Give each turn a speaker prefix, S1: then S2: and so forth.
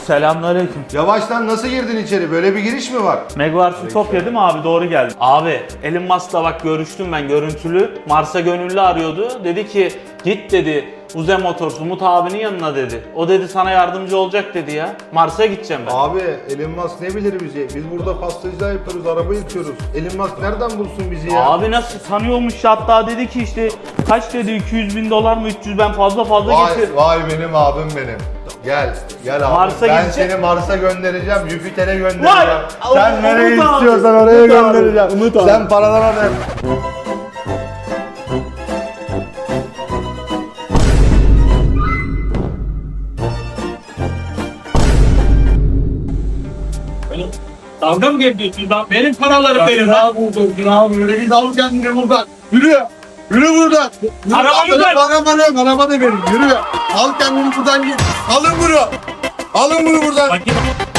S1: Selamünaleyküm.
S2: Yavaştan nasıl girdin içeri? Böyle bir giriş mi var?
S1: Megawars Ütopya değil mi abi? Doğru geldi. Abi Elon Musk'la bak görüştüm ben görüntülü. Mars'a gönüllü arıyordu. Dedi ki git dedi Uze Motors Umut abinin yanına dedi. O dedi sana yardımcı olacak dedi ya. Mars'a gideceğim ben.
S2: Abi Elon Musk ne bilir bizi? Biz burada pastacılar yapıyoruz, araba yıkıyoruz. Elon Musk nereden bulsun bizi ya?
S1: Abi nasıl tanıyormuş ya, hatta dedi ki işte kaç dedi 200 bin dolar mı 300, ben fazla getir.
S2: Vay benim abim benim. Gel abi.
S1: Mars'a
S2: ben
S1: gidecek.
S2: seni Mars'a göndereceğim, Jüpiter'e göndereceğim.
S1: Vay!
S2: Sen nereye
S1: Umut abi,
S2: istiyorsan oraya
S1: Umut abi,
S2: göndereceğim.
S1: Umut abi.
S2: Sen paralara ver.
S3: Dalga mı geçiyorsun lan? Benim paralarım benim lan. Yürü git al kendini buradan. Yürü. Yürü buradan.
S1: Arabamı ver.
S3: Araba da benim. Yürü. Al kendini buradan git. Alın bunu. Alın bunu buradan.
S1: Bak,